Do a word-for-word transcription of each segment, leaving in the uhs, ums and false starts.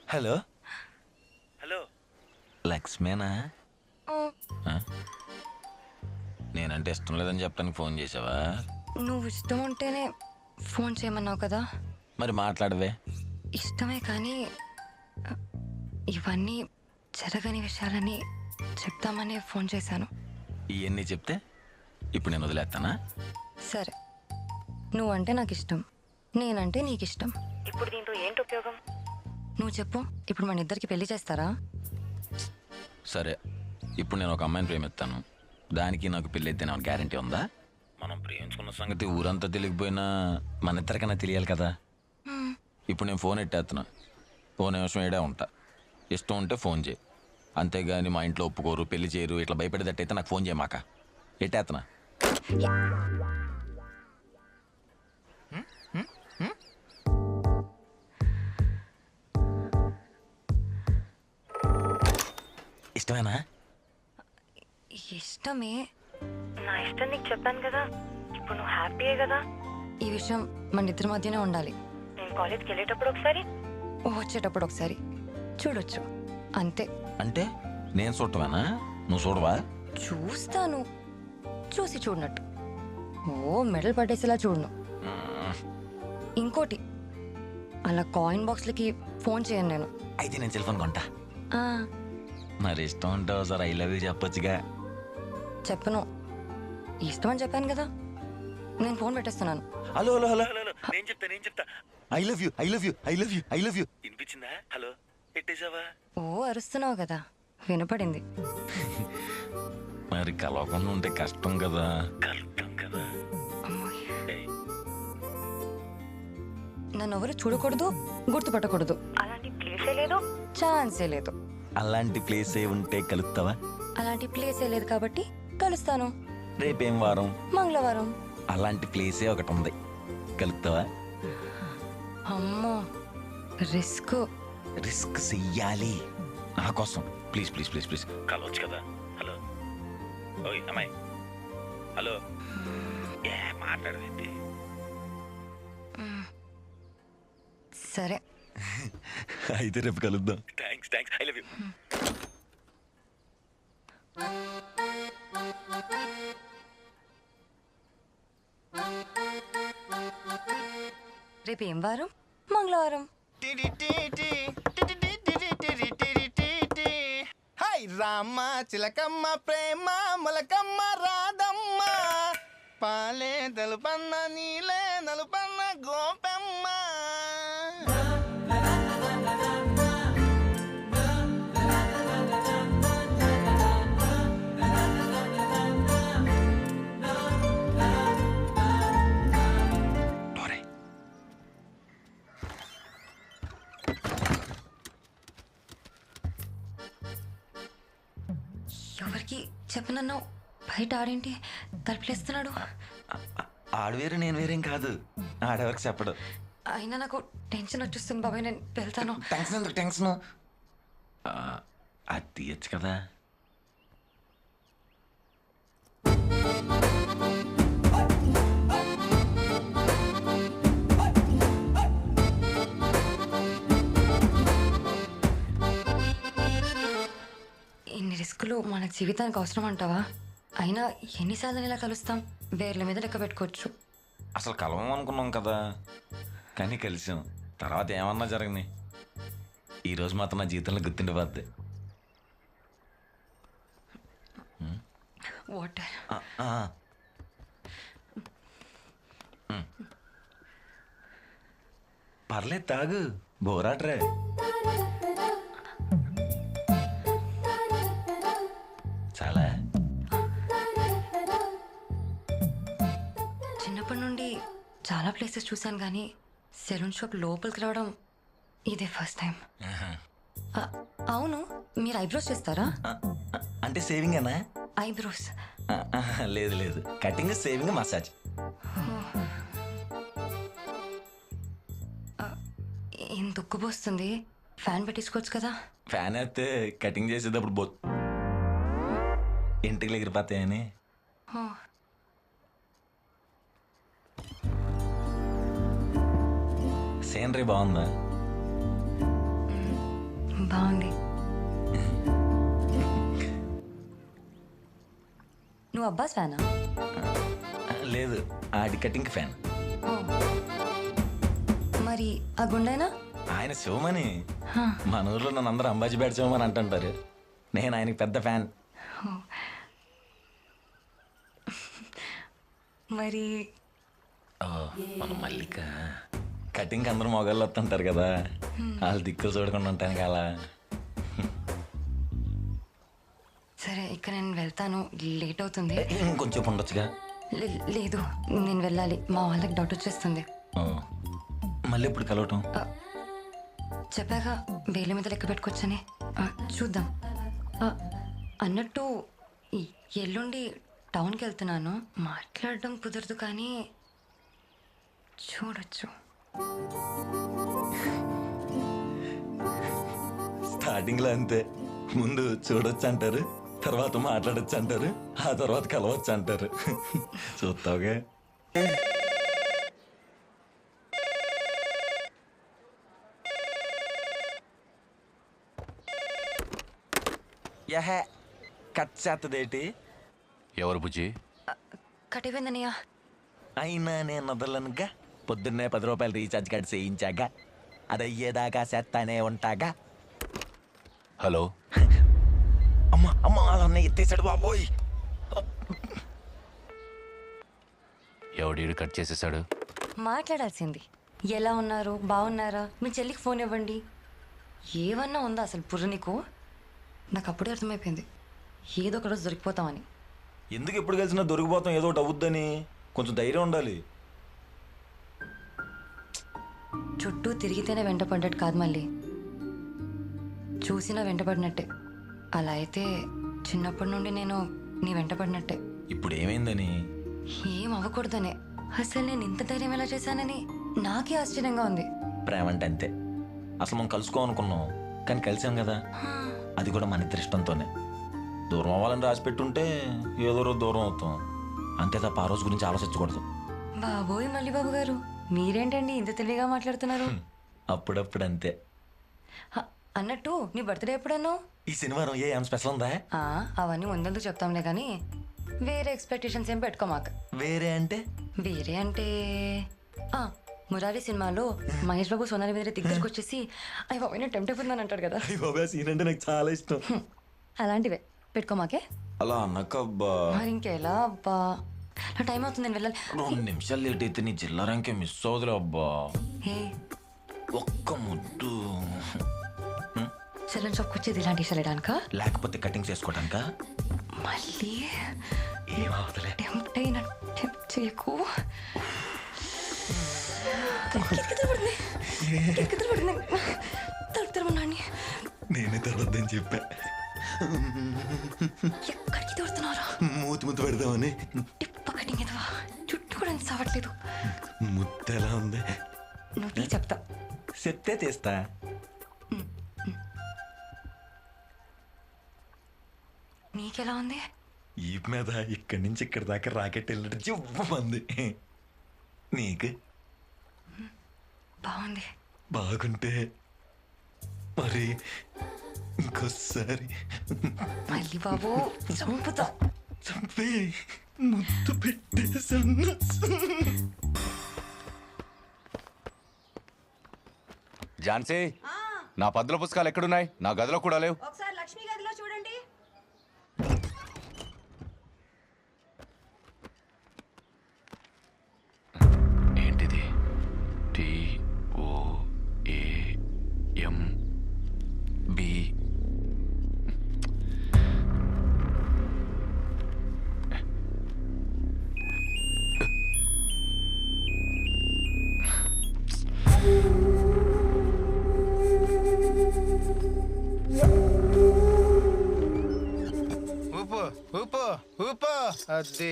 Hello hello లక్ష్మేనా? నేనంటే ఇష్టం లేదని చెప్పడానికి ఫోన్ చేసావా? నువ్వు ఇష్టం ఉంటేనే ఫోన్ చేయమన్నావు కదా. మరి మాట్లాడవే. ఇష్టమే కానీ ఇవన్నీ జరగని విషయాలని చెప్తామని ఫోన్ చేశాను. ఇవన్నీ చెప్తే ఇప్పుడు నేను వదిలేస్తానా? సరే, నువ్వంటే నాకు ఇష్టం, నేనంటే నీకు ఇష్టం. ఇప్పుడు దీంతో ఏంటి ఉపయోగం? నువ్వు చెప్పు, ఇప్పుడు మన ఇద్దరికి పెళ్లి చేస్తారా? సరే, ఇప్పుడు నేను ఒక అమ్మాయిని ప్రేమిస్తాను, దానికి నాకు పెళ్ళి అయితే నాకు గ్యారంటీ ఉందా? మనం ప్రేమించుకున్న సంగతి ఊరంతా తెలియకపోయినా మన ఇద్దరికైనా తెలియాలి కదా. ఇప్పుడు నేను ఫోన్ ఎట్టేస్తున్నా, ఫోన్ నిమిషం ఏడే ఉంటా. ఇష్టం ఉంటే ఫోన్ చేయి, అంతేగాని మా ఇంట్లో ఒప్పుకోరు, పెళ్లి చేయరు, ఇట్లా భయపడేటట్టయితే నాకు ఫోన్ చేయమాక. ఎట్టేస్తున్నా. ఇష్టమేనా? ఇష్టమే. నా ఇష్టం నీకు చెప్పాను కదా, ఇప్పుడు నువ్వు హ్యాపీయే కదా. ఈ విషయం మన ఇద్దరి మధ్యనే ఉండాలి. నేను కాలేజ్కి వెళ్ళేటప్పుడు ఒకసారి, వచ్చేటప్పుడు ఒకసారి చూడొచ్చు, అంతే. అంటే నేను చూడటమేనా? నువ్వు చూడవా? చూస్తాను, చూసి చూడనట్టు. ఓ మెడల్ పట్టేసేలా చూడను. ఇంకోటి, అలా కాయిన్ బాక్స్లకి ఫోన్ చేయను నేను. అయితే నేను సెల్ ఫోన్ కొంటా. మరి ఇష్టం ఉంటే ఒకసారి ఐ లవ్ యూ చెప్పొచ్చుగా. చెప్పను, ఇష్టం అని చెప్పాను కదా. నేను ఫోన్ పెట్టేస్తున్నాను. హలో హలో హలో హలో నేను చెప్తా నేను చెప్తా I love you I love you I love you I love you వినిపించిందా? హలో పెట్టేశావా? ఓ అరుస్తున్నావు కదా, వినపడింది. మరి కలవకుండా ఉంటే కష్టం కదా. కలుద్దాం కదా. నన్ను ఎవరు చూడకూడదు, గుర్తుపట్టకూడదు, అలాంటి ప్లేసే లేదు, ఛాన్సే లేదు. అలాంటి ప్లేసే ఉంటే కలుస్తావా? అలాంటి ప్లేసే లేదు కాబట్టి కలుస్తాను. రేపేం వారం? మంగళవారం. అలాంటి ప్లేసే ఒకటి ఉంది, కలుస్తావా? అమ్మో, రిస్క్. రిస్క్ చెయ్యాలి నా కోసం. ప్లీజ్ ప్లీజ్ ప్లీజ్ ప్లీజ్ కలవచ్చు కదా. హలో ఓయ్ అమ్మాయి, హలో. ఏ మాట్లాడవేంటి? సరే అయితే రేపు కలుద్దాం. Thanks thanks I love you. రేపు ఏం వారం? మంగళవారం. హాయ్ రామ చిలకమ్మ ప్రేమ మొలకమ్మ రాధమ్మ పాలే తెలుపన్న నీలే నలుపన్న గోపెమ్మ. ఎవరికి చెప్పనన్నావు, బయట ఆడేంటి తలుపులేస్తున్నాడు? ఆడు వేరు నేను వేరేం కాదు, ఆడెవరికి చెప్పడు. అయినా నాకు టెన్షన్ వచ్చేస్తుంది బాబాయ్, నేను వెళ్తాను. టెన్షన్ ఎందుకు? టెన్షన్ అది తీయచ్చు కదా. ఇన్ని రిస్కులు మన జీవితానికి అవసరం అంటావా? అయినా ఎన్నిసార్లు ఇలా కలుస్తాం, వేర్ల మీద లెక్క పెట్టుకోవచ్చు. అసలు కలవం అనుకున్నాం కదా, కానీ కలిసాం. తర్వాత ఏమన్నా జరగని, ఈరోజు మాత్రం నా జీవితంలో గుర్తుండిపోద్ది. వాటర్. పర్లేదు తాగు, బోరాట్రే. చాలా చిన్నప్పటి నుండి చాలా ప్లేసెస్ చూశాను కానీ సెలూన్ షాప్ లోపలికి రావడం ఇదే ఫస్ట్ టైం. అవును, మీరు ఐబ్రోస్ చేస్తారా? అంటే సేవింగ్ అనా? ఐబ్రోస్ లేదు లేదు, కటింగ్, సేవింగ్, మసాజ్. ఏం దుక్కుపోస్తుంది, ఫ్యాన్ పెట్టించుకోవచ్చు కదా. ఫ్యాన్ అయితే కటింగ్ చేసేటప్పుడు బో ఇంటికి ఎగిరిపోతాయని. సీనరీ బాగుందా? బాగుంది. నువ్వు అబ్బాస్ ఫ్యానా? లేదు, ఆడి కటింగ్ ఫ్యాన్. ఓ. మరి ఆ గుండెనా? ఆయన శివమని. మన ఊర్లో నన్ను అందరూ అంబాజీ బ్యాట్ శివమని అంటుంటారు. నేను ఆయనకి పెద్ద ఫ్యాన్. మరి మన మల్లిక కటింగ్ అందరూ మొగాళ్ళు వస్తుంటారు కదా, వాళ్ళు దిక్కులు చూడకుండా ఉంటాను అలా. సరే, ఇక నేను వెళ్తాను, లేట్ అవుతుంది. ఇంకొంచెం ఉండొచ్చుగా. లే- లేదు, నేను వెళ్ళాలి, మా వాళ్ళకి డౌట్ వచ్చేస్తుంది. ఓ, మళ్ళీ ఇప్పుడు కలవటం? ఆ, చెప్పాక వేల మీద లెక్క పెట్టుకోవచ్చని. ఆ, చూద్దాం. ఆ, అన్నట్టు ఈ ఎల్లుండి టౌన్కి వెళ్తున్నాను. మాట్లాడడం కుదరదు కానీ చూడొచ్చు. స్టార్టింగ్ లో అంతే, ముందు చూడొచ్చు అంటారు, తర్వాత మాట్లాడొచ్చు అంటారు, ఆ తర్వాత కలవచ్చు అంటారు. చూస్తావుగా. యహే కట్ చేస్తదేటి? ఎవరు బుజ్జి? కటివేందనయ్య. అయినా నేను వదలనుగా. పొద్దున్నే పది రూపాయలు రీఛార్జ్ కార్డ్ చేయించాగా, అది అయ్యేదాకా చేస్తానే ఉంటాగా. హలో. అమ్మ అమ్మ అలా ఎత్తేసాడు బాబోయ్. ఎవడీడు కట్ చేసేసాడు? మాట్లాడాల్సింది. ఎలా ఉన్నారు, బాగున్నారా, మీ చెల్లికి ఫోన్ ఇవ్వండి, ఏమన్నా ఉందా అసలు బుర్ర నీకు? నాకు అప్పుడే అర్థమైపోయింది ఏదో ఒక రోజు దొరికిపోతామని. ఎందుకు ఎప్పుడు కలిసినా దొరికిపోతాం, ఏదో ఒకటి అవుద్దని. కొంచెం ధైర్యం ఉండాలి. చుట్టూ తిరిగితేనే వెంటపడ్డట్టు కాదు, మళ్ళీ చూసినా వెంటపడినట్టే. అలా అయితే చిన్నప్పటి నుండి నేను నీ వెంటపడినట్టే. ఇప్పుడు ఏమైందని? ఏం అవ్వకూడదనే. అసలు నేను ఇంత ధైర్యం ఎలా చేశానని నాకే ఆశ్చర్యంగా ఉంది. ప్రేమ అంటే అంతే. అసలు మనం కలుసుకోవాలనుకున్నాం, కానీ కలిసాం కదా, అది కూడా మన ఇద్దరి ఇష్టంతోనే. దూరం అవ్వాలని రాసి పెట్టుంటే ఏదో రోజు దూరం అవుతాం, అంతే తప్ప ఆ రోజు గురించి ఆలోచించకూడదు. బాబోయ్ మళ్ళీ బాబు గారు, మీరేంటండి ఇంత తెలివిగా మాట్లాడుతున్నారు? అప్పుడప్పుడు అంతే. హ, అన్నట్టు నీ బర్త్డే ఎప్పుడన్నావు? ఈ శనివారం ఏ ఏం స్పెషల్ ఉందా? ఆ, అవన్నీ ముందెందుకు చెప్తాంలే కానీ వేరే ఎక్స్పెక్టేషన్స్ ఏం పెట్టుకోమాక. వేరే అంటే? వేరే అంటే ఆ మురారి సినిమాలో మహేష్ బాబు సోనాలి మీద దగ్గరికి వచ్చేసి అయ్యి బాబు నేను టెంప్ట్ అయిపోతున్నాను అంటాడు కదా, సీన్ అంటే నాకు చాలా ఇష్టం. అలాంటివే పెట్టుకోమాకే. అలా అన్నకబ్బా. మరి ఇంకెలా అబ్బా, నా టైం అవుతుంది, నేను వెళ్ళాలి. రెండు నిమిషాలు లేట్ అయితే నీ జిల్లారంకే మిస్ అవుదులే అబ్బా. ఏ ఒక్క ముద్దు. సెలూన్ షాప్కి వచ్చేది ఇలాంటి వెళ్ళడానిక, లేకపోతే కటింగ్స్ చేసుకోవడానిక? మళ్ళీ ఏమవుతులే. టెంప్ట్ అయిన టెంప్ట్ చేయకు. కితకితపడుతుంది, కితకితపడుతుంది. తలుపు తెరవనాన్ని నేనే తర్వాతని చెప్పా. ఎక్కడికి తోడుతున్నారా? మూతి ముద్దు పెడదామని. టిప్ప కటింగ్ ఎదవా, చుట్టూ కూడా ఎంత సావట్లేదు. ముద్దు ఎలా ఉంది? నువ్వు తీ చెప్తా. చెప్తే తీస్తా. నీకెలా ఉంది? ఈ మీద ఇక్కడి నుంచి ఇక్కడి దాకా రాకెట్ వెళ్ళినట్టు జివ్వమంది. నీకు? బాగుంది. బాగుంటే మరి ఇంకోసారి మళ్ళీ బాబు చంపుతా. చంపే ముద్దు పెట్టేసన్నా. ఝాన్సీ, నా పద్దుల పుస్తకాలు ఎక్కడున్నాయి? నా గదిలో కూడా లేవు. ఒకసారి లక్ష్మి గదిలో చూడండి. ఏంటిది? T O A M B. ఊపు ఊపు ఊపు. అది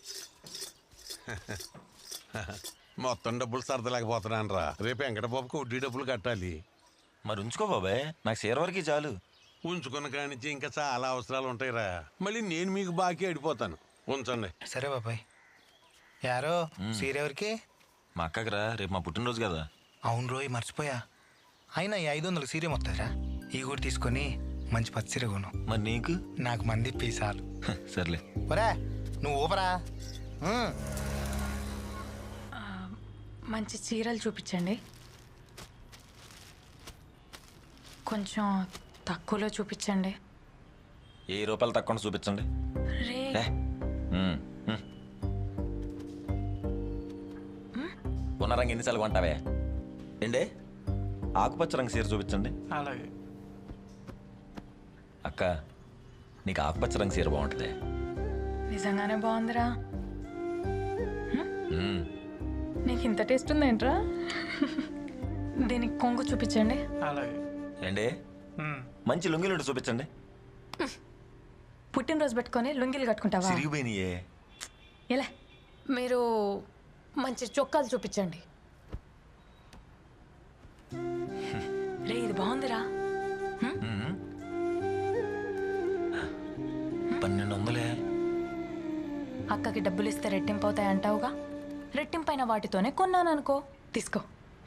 మొత్తం డబ్బులు సర్దలేకపోతున్నాను రా. రేపు వెంకటబాబుకి వడ్డీ డబ్బులు కట్టాలి. మరి ఉంచుకో బాబాయ్, నాకు షేర్ వరకు చాలు. ఉంచుకున్న కానించి ఇంకా చాలా అవసరాలు ఉంటాయిరా. మళ్ళీ నేను మీకు బాకీ అడిపోతాను. ఉంచండి. సరే బాబాయ్. యారో సీరెవరికి? మా అక్కకి రా, రేపు మా పుట్టినరోజు కదా. అవును రోయ్, మర్చిపోయా. అయినా ఈ ఐదు వందలు సీరే మొత్తారా? ఈ కూడా తీసుకొని మంచి పచ్చిర కొను. మరి నీకు నాకు మంది పీసాలు. హ, సర్లే. ఒరే నువ్వు ఊపరా. ఉమ్. మంచి చీరలు చూపించండి. కొంచెం తక్కువలో చూపించండి. ఏ రూపాయలు తక్కువ చూపించండి. రే ఏ, ఉమ్, ఉమ్. ఉన్న రంగు ఎన్నిసార్లు కొంటావే? ఏండే ఆకుపచ్చ రంగు చీర చూపించండి. అలాగే. అక్క నీకు ఆకుపచ్చ రంగు చీర బాగుంటుంది. నిజంగానే బాగుందిరా. ఉమ్. నీకు ఇంత టేస్ట్ ఉందేంట్రా? దీనికి కొంగు చూపించండి. అలాగే. ఏండే మంచి లుంగిలుండి చూపించండి. పుట్టినరోజు పెట్టుకొని లుంగిలు కట్టుకుంటావా? సిరిగిపోయినాయే. ఎలా మీరు మంచి చొక్కాలు చూపించండి. రే ఇది బాగుందిరా. పన్నెండు వందలే. అక్కకి డబ్బులు ఇస్తే రెట్టింపు అవుతాయి అంటావుగా, రెట్టింపైన వాటితోనే కొన్నాను అనుకో, తీసుకో.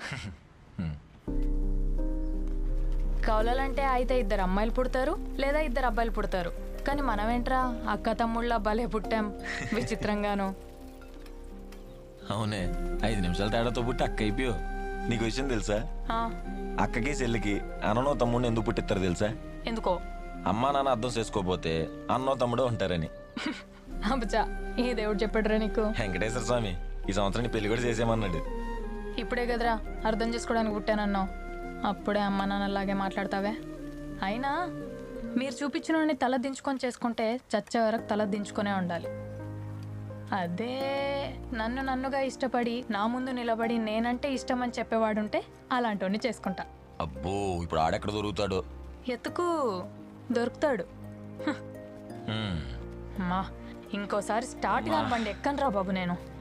కౌలలంటే అయితే ఇద్దరు అమ్మాయిలు పుడతారు లేదా ఇద్దరు అబ్బాయిలు పుడతారు. కానీ మనమేంట్రా అక్క తమ్ముళ్ళ భలే పుట్టాం విచిత్రంగాను. అవునే, ఐదు నిమిషాల తేడాతో పుట్టి అక్క అయిపోయావు. నీకు విషయం తెలుసా? ఆ, అక్కకి చెల్లికి అన్ననో తమ్ముడిని ఎందుకు పుట్టిస్తారు తెలుసా? ఎందుకో? అమ్మా నాన్న అర్థం చేసుకోపోతే అన్నో తమ్ముడో ఉంటారని. అబ్బా ఏ దేవుడు చెప్పాడురా నీకు? వెంకటేశ్వర స్వామి ఈ సంవత్సరం పెళ్లి కూడా చేసేయమన్నాడు. ఇప్పుడే కదరా అర్థం చేసుకోవడానికి పుట్టానన్నావు, అప్పుడే అమ్మ నాన్నలాగే మాట్లాడతావే. అయినా మీరు చూపించిన తల దించుకొని చేసుకుంటే చచ్చే వరకు తల దించుకొనే ఉండాలి. అదే నన్ను నన్నుగా ఇష్టపడి నా ముందు నిలబడి నేనంటే ఇష్టం అని చెప్పేవాడుంటే అలాంటి చేసుకుంటా. అబ్బో ఇప్పుడు ఆడెక్కడ దొరుకుతాడు? ఎత్తుకు దొరుకుతాడు. హ్మ్. అమ్మా ఇంకోసారి స్టార్ట్ కానివ్వండి ఎక్కనరా బాబు నేను.